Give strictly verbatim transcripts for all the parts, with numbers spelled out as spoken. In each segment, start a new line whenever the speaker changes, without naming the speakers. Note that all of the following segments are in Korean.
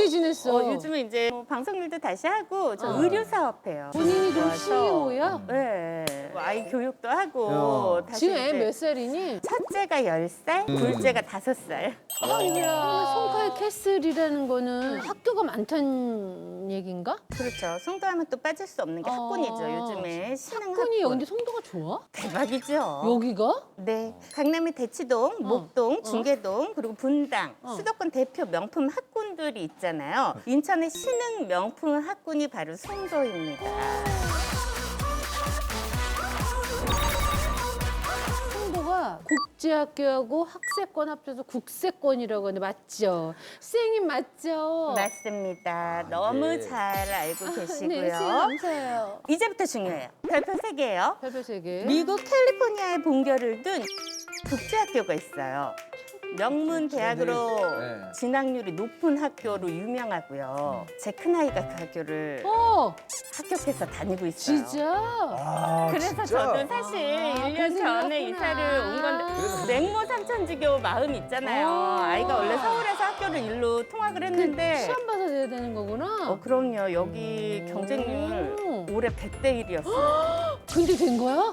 어떻게 지냈어?
어, 요즘은 이제 뭐 방송 일도 다시 하고 저
어.
의류 사업해요.
본인이 그럼
와서.
씨이오야?
네. 뭐 아이 교육도 하고 다시
지금 애
이제
몇 살이니?
첫째가 열 살, 둘째가 다섯 살.
아니야. 송카의 캐슬이라는 거는 학교가 많다는 얘긴가?
그렇죠. 송도하면 또 빠질 수 없는 게
어.
학군이죠. 요즘에 신흥
학군이
학군.
근데 송도가 좋아?
대박이죠.
여기가?
네. 강남의 대치동, 목동, 중계동, 그리고 분당,
어.
수도권 대표 명품 학군들이 있잖아요. 인천의 신흥 명품 학군이 바로 송도입니다.
송도가 국제학교하고 학세권 합쳐서 국세권이라고 하는데 맞죠? 선생님 맞죠?
맞습니다. 너무
예.
잘 알고
네,
계시고요.
선생님 감사해요.
이제부터 중요해요. 별표 세 개예요.
별별 세 개.
미국 캘리포니아에 본교를 둔 국제학교가 있어요. 명문 대학으로
네.
진학률이 높은 학교로 유명하고요. 제 큰아이가 그 학교를
어,
합격해서 다니고 있어요.
진짜?
아,
그래서
진짜?
저도 사실
아,
일 년
그래서
전에
그렇구나.
이사를 온 건데
그래서
맹모 삼천지교 마음 있잖아요.
어.
아이가 원래 서울에서 학교를 일로 통학을 했는데
시험 봐서 돼야 되는 거구나.
어 그럼요. 여기 경쟁률
오.
올해 백 대 일이었어요.
근데 된 거야?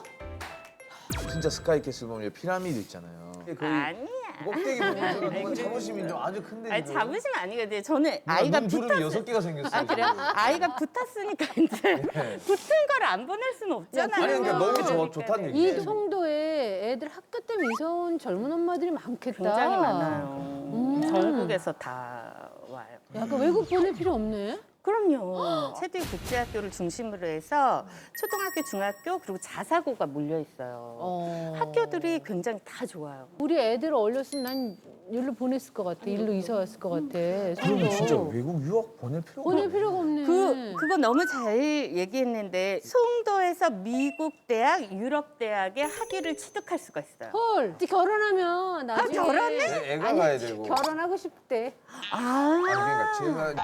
진짜 스카이캐슬 보면 피라미드 있잖아요. 거의
아니야.
꼭대기 보면서 뭔가 자부심이 좀 아주 큰데.
아니
지금.
자부심 아니거든요. 저는 아이가
눈주름이
붙었
여섯 개가 생겼어요.
아, 그래요? 아이가 붙었으니까 이제
네.
붙은 걸 안 보낼 수는 없잖아요.
아니 그러니까 너무 좋아,
그러니까요.
좋다는
이
얘기예요.
송도에 애들 학교 때문에 이사 온 젊은 엄마들이 많겠다.
굉장히 많아요.
음.
전국에서 다 와요.
약간 외국 보낼 필요 없네.
그럼요. 체두이 국제학교를 중심으로 해서 초등학교, 중학교 그리고 자사고가 몰려 있어요.
어.
학교들이 굉장히 다 좋아요.
우리 애들 어렸으면 난 일로 보냈을 것 같아. 일로 이사 왔을 것 같아.
그럼 진짜
송도.
외국 유학 보낼 필요가
보낼
없네.
필요가 없네.
그 그거 너무 잘 얘기했는데 송도에서 미국 대학, 유럽 대학의 학위를 취득할 수가 있어요.
헐, 결혼하면 나중에
결혼해?
애- 애가
아니,
가야 되고.
결혼하고 싶대.
아,
아니 그러니까 제가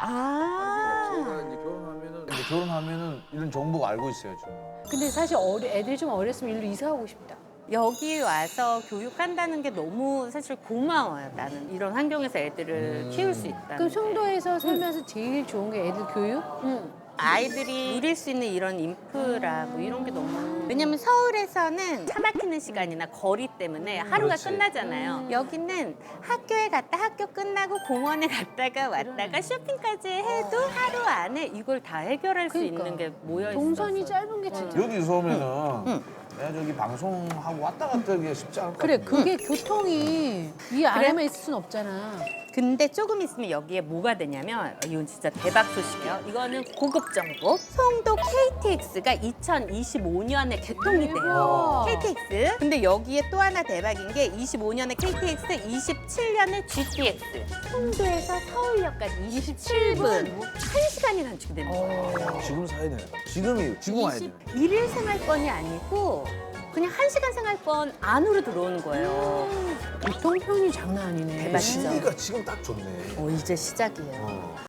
아,
제가 이제 결혼하면은 이제 결혼하면은 이런 정보가 알고 있어요 지금.
근데 사실 어리, 애들이 좀 어렸으면 일로 이사하고 싶다.
여기 와서 교육한다는 게 너무 사실 고마워요. 나는 이런 환경에서 애들을 키울 수 있다는
그럼
게.
송도에서 살면서 제일 좋은 게 애들 교육?
응. 아이들이 누릴 수 있는 이런 인프라 뭐 이런 게 너무 왜냐면 서울에서는 차 막히는 시간이나 거리 때문에 하루가
그렇지.
끝나잖아요. 여기는 학교에 갔다 학교 끝나고 공원에 갔다가 왔다가 쇼핑까지 해도 하루 안에 이걸 다 해결할 수
그러니까.
있는 게 모여 있어서
동선이 짧은 게 진짜.
여기서 오면은 내가 저기 방송하고 왔다 갔다 하기가 쉽지 않을 것
그래,
같은데.
그게 교통이 이 안에만 있을 순 없잖아.
근데 조금 있으면 여기에 뭐가 되냐면 이건 진짜 대박 소식이에요. 이거는 고급 정보. 송도 케이티엑스가 이천이십오 년에 개통이 돼요.
대박.
케이티엑스. 근데 여기에 또 하나 대박인 게 이십오 년에 케이티엑스, 이십칠 년에 지티엑스. 송도에서 서울역까지 이십칠 분. 한 시간이 단축이 되는 거예요.
지금 사야 되네. 지금이 지금 와야 되네.
일일 생활권이 아니고 그냥 한 시간 생활권 안으로 들어오는 거예요.
교통편이 장난 아니네.
대박이죠.
시기가 지금 딱 좋네.
어, 이제 시작이에요.
어.